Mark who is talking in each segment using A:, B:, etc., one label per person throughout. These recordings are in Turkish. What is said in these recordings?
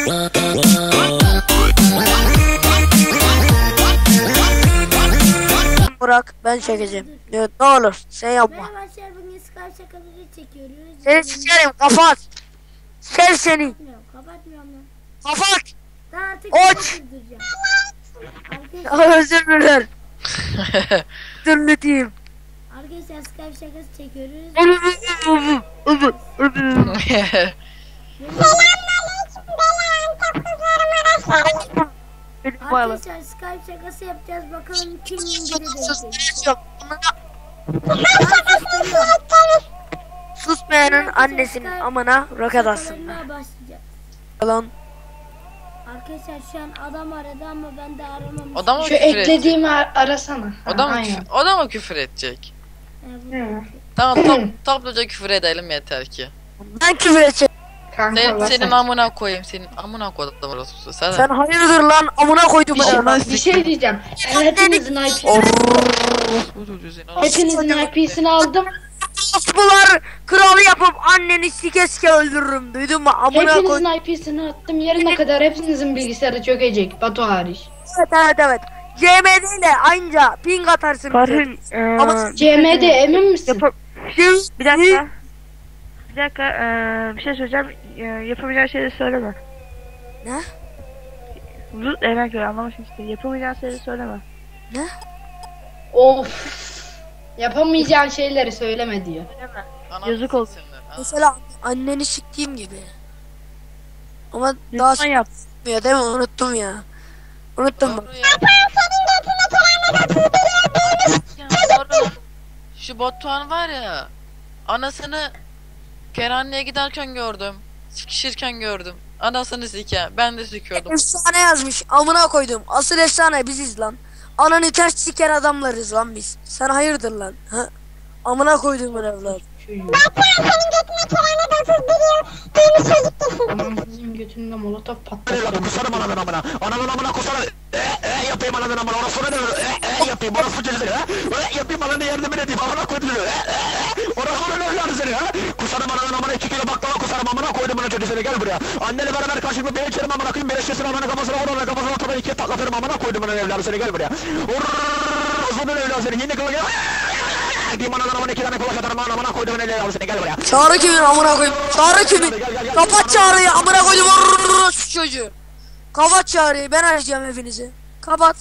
A: Burak, ben çekeceğim. Diyor, ne olur sen yapma.
B: Merhaba arkadaşlar, bugün Skype şakaları çekiyoruz.
A: Seni sikerim, kapat. Sev seni.
B: Kapatmıyorum lan.
A: Kapat.
B: Daha artık
A: Aç. Özür dilerim. Dürlüteyim.
B: Arkadaşlar Skype şakası çekiyoruz. Arkadaşlar Skype şakası yapacağız, bakalım kim indirecek.
A: Susmayanın annesinin amına roket atsın. Lan.
B: Arkadaşlar şu an adam aradı ama ben de aramamışım.
C: O da mı
D: Şu
C: küfür edecek?
D: eklediğimi arasana.
C: O da mı küfür edecek?
D: Hı.
C: Tamam topluca küfür edelim yeter ki.
A: Ben küfür edeceğim.
C: Senin amına koyayım, senin amına koydum orası.
A: Sen hayırdır lan, amına koydum ben.
D: Bir şey diyeceğim. Hepinizin IP'sini aldım.
A: Bunlar kralı yapıp anneni sike sike öldürürüm, duydun mu? Amına koydum.
D: Hepinizin IP'sini attım. Yarına kadar hepinizin bilgisayarı çökecek. Batu hariç.
A: Evet. CMD ile aynıca ping atarsın.
E: Karın
A: Ama
D: CM'de emin misin?
E: bir dakika. Bir şey söyleyeceğim. Yapamayacağın şeyleri söyleme.
A: Ne?
E: Zut emek göre anlamışsın işte. Yapamayacağın şeyleri söyleme.
A: Ne?
D: Of. Yapamayacağın şeyleri söyleme diyor.
E: Yazık olsun.
A: Mesela anneni siktiğim gibi. Ama daha
E: Lütfen yap.
A: s**miyor değil mi? Unuttum ya. Unuttum bak.
C: Şu Batuhan var ya, anasını kerhaneye giderken gördüm. Sikişirken gördüm. Anasını sike. Ben de sikiyordum.
A: Efsane yazmış. Amına koydum. Asıl efsane biziz lan. Ananı ters siker adamlarız lan biz. Sen hayırdır lan? Ha? Amına koydum ben evlat.
D: Anamızın götünde molotof patlattı.
F: Kusarım ananın amına. Ananın amına kusarım. Yapayım ananın amına. Ona sonra ne? Yapayım. Ona suçu seni. Yapayım ananı yardım edeyim. Amına koydum. Ona sonra ne evladı seni? Kusarım ananın amına. 2 kilo baklava kusarım amına koydum bana çocuğu seni. Gel buraya. Annenle beraber karşılıklı beni içerim amına koyayım. Beleşçesini amına kafasına vur. Ona kafasına ortadan 2'ye taklatırım amına koydum bana evladı seni. Gel buraya. Sonra evladı seni. Yine kılı gel. Diyeyim ananın amına 2 tane kulak atarım amına koydum bana evladı seni. Gel buraya.
A: Çağrı kimin amına koyayım? Çağrı kimin? Kapat çağrıyı amına koydum. Şu çocuğu. Kapat çağrıyı. Ben arayacağım hepinizi. Kapat.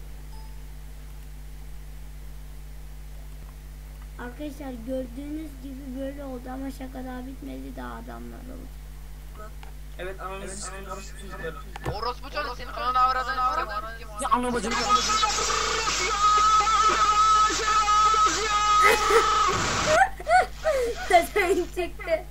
B: Arkadaşlar gördüğünüz gibi böyle oldu ama şaka daha bitmedi, daha adamlar oldu.
G: Evet ananızı
C: Orospu çocuk senin ananı avradın.
A: Ya anlamadım.
B: Sen çıktı.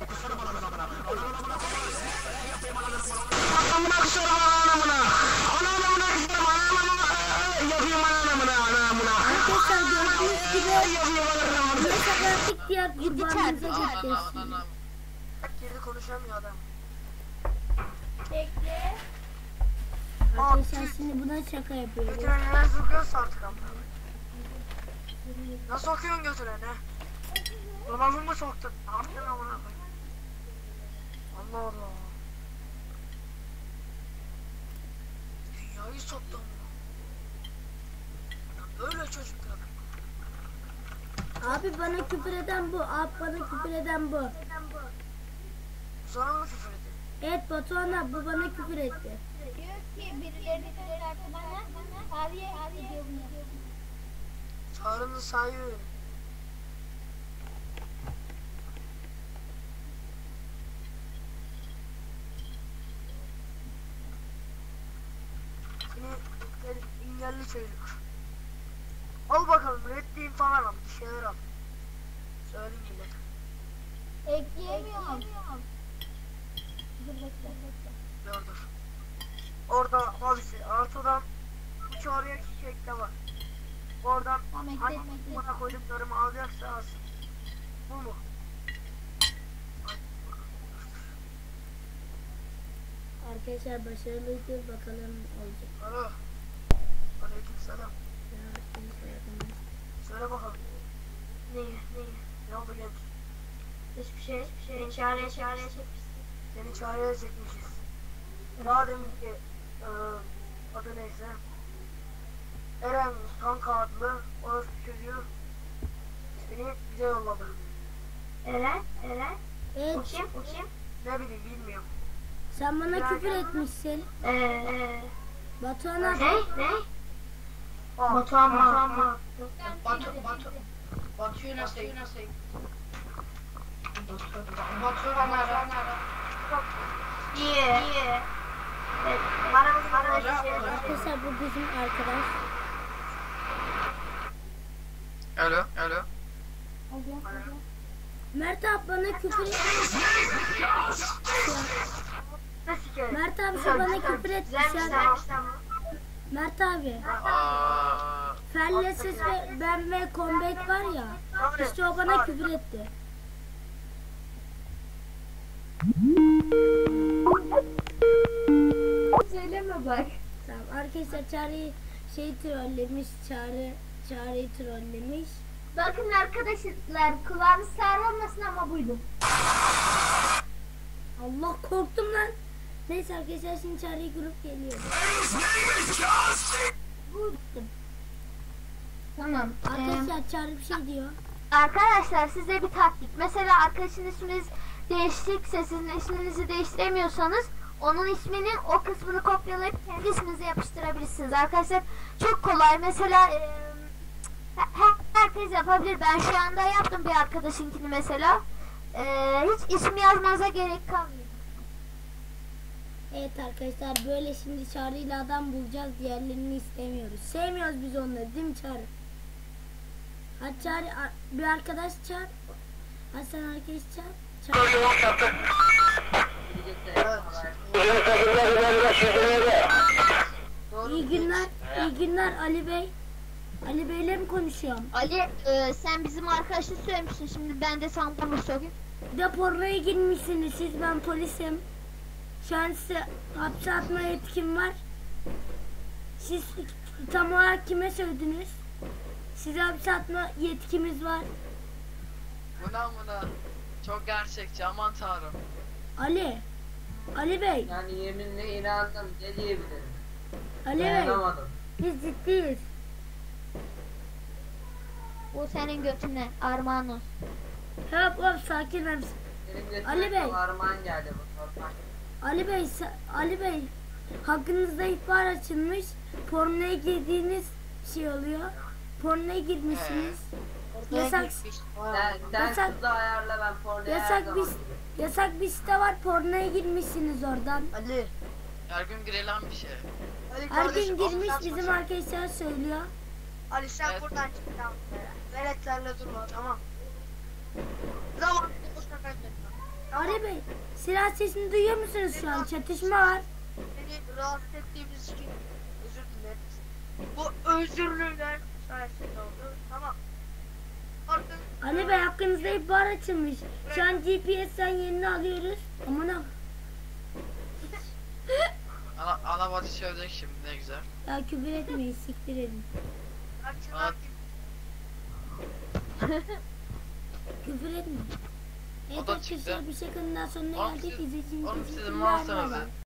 B: Arkadaşlar gördüğünüz gibi bu şaka diğer kurbanımıza gitti.
A: Geri konuşamıyor adam.
B: Bekle. Arkadaşlar şimdi buna şaka yapıyoruz.
A: Götüne neler sokuyorsa artık amına. Nasıl sokuyorsun götüne ne? Kulağımı mı soktun? Ne yaptın amına koyayım? Allah Allah. Dünyayı soktum. Böyle çocuklar.
B: Abi bana küfür eden bu. Abi bana küfür eden bu.
A: Sonra mı küfür edin?
B: Evet Batuhan abi, bu bana küfür etti.
H: Diyor ki birilerini çıkarttı bana. Abiye gidiyor bunu.
A: Çağrı'nın sahibi. Seni engelli çocuk. Al bakalım reddiğin falan al. Bir şeyler al. Söyleyeyim millete.
H: Ekleyemiyorum. Dur bekle.
A: Dur. Orada abisi Artu'dan bu çağrıya çiçek de var. Oradan
H: Tamam, ekle,
A: hangi
H: ekle.
A: bana koyduklarımı alacaksa alsın. Bu mu?
B: Arkadaşlar başarılıydı, bakalım olacak.
A: Alo. Aleykümselam. Söyle bakalım. Neyi? Ne oldu genç?
H: Hiçbir şey. Seni çağrıya çekmişsin.
A: Seni çağrıya çekmişiz. Daha demin ki adı neyse. Eren Kanka adlı orası çocuğu beni bize yolladı.
H: Eren.
B: Evet,
H: O kim?
A: Ne bileyim bilmiyorum.
B: sen bana küfür etmişsin. Batuhan'a
H: Ne?
A: Batuhan mı?
D: Batu'yu nasıl? Batu'yu ara.
H: Niye? Bana
B: arkadaşlar bu bizim arkadaş.
C: Alo.
B: Mert abi bana küfür Mert abi şu bana küfür etmişler. Mert abi. Fellesiz ve ben ve Comeback var ya. İşte o bana küfür etti.
H: söyleme bak.
B: Tamam arkadaşlar Çağrı'yı trollemiş. Çağrı'yı trollemiş.
H: Bakın arkadaşlar kulağınız sarılmasın ama buydu.
B: Allah korktum lan. Neyse arkadaşlar şimdi Çağrı'yı grup geliyor.
H: Tamam.
B: Arkadaşlar Çağrı bir şey diyor.
H: Arkadaşlar size bir taktik. Mesela arkadaşın isminiz değişikse sizin isminizi değiştiremiyorsanız onun isminin o kısmını kopyalayıp kendi isminize yapıştırabilirsiniz. Arkadaşlar çok kolay. Mesela herkes yapabilir. Ben şu anda yaptım bir arkadaşınkini mesela. Hiç ismi yazmanıza gerek kalmıyor.
B: Evet arkadaşlar böyle şimdi Çağrı'yla adam bulacağız. Diğerlerini istemiyoruz. Sevmiyoruz biz onları değil mi Çağrı? Hadi Çağrı bir arkadaş çağır. Hadi sen arkadaş çağır. İyi günler Ali Bey. Ali Bey'le mi konuşuyorum?
H: Ali sen bizim arkadaşı söylemiştin. Şimdi ben de sana bunu söyleyeyim.
B: Bir de pornoya girmişsiniz siz, ben polisim. Şu an size hapse atma yetkim var. Siz tam olarak kime sövdünüz? Size hapse atma yetkimiz var.
C: Buna. Çok gerçekçi, aman tanrım.
B: Ali Bey.
G: Yani yeminle inandım. Ne diyebilirim?
B: Ali Bey.
G: Dayanamadım.
B: Biz ciddiyiz.
H: O senin götüne armağan olsun.
B: Hop sakin ol.
G: Benim
B: Ali
G: götüme
B: Bey.
G: armağan geldi bu normal.
B: Ali Bey. Hakkınızda ihbar açılmış. Pornoya girdiğiniz şey oluyor. Pornoya girmişsiniz. Yasak
G: Sen kızı ayarla, ben pornoya
B: yasak bir site var. Pornoya girmişsiniz oradan.
A: Ali.
C: Her gün girilen bir şey.
A: Ali
B: Her
A: kardeşim,
B: gün girmiş
A: Allah
B: bizim
A: razı olsun.
B: arkadaşlar söylüyor.
A: Ali sen
C: Evet.
A: buradan çık tamam. Veletlerle durma tamam. Zaman boşuna kaybetme. Tamam.
B: Ali Bey, silah sesini duyuyor musunuz şu an? Çatışma var.
A: Beni rahatsız ettiğimiz için özür dileriz. Bu özürlüler sayesinde oldu. Tamam. Artık
B: Ali Bey hakkınızda ihbar açılmış. Şu an GPS'ten yerini alıyoruz. Aman ha.
C: Ana batı sövdük şimdi, ne güzel.
B: Ya küfür etmeyin, siktir edin.
A: açılan
B: Küfür etmeyin. Evet
C: O da çıktı.
B: arkadaşlar bir şakanın daha sonuna
C: Oğlum
B: geldik.
C: siz-
B: İzlediğiniz
C: oğlum
B: için
C: sizin
B: teşekkürler.
C: mouse'unuz
B: Bay bay.
C: ya.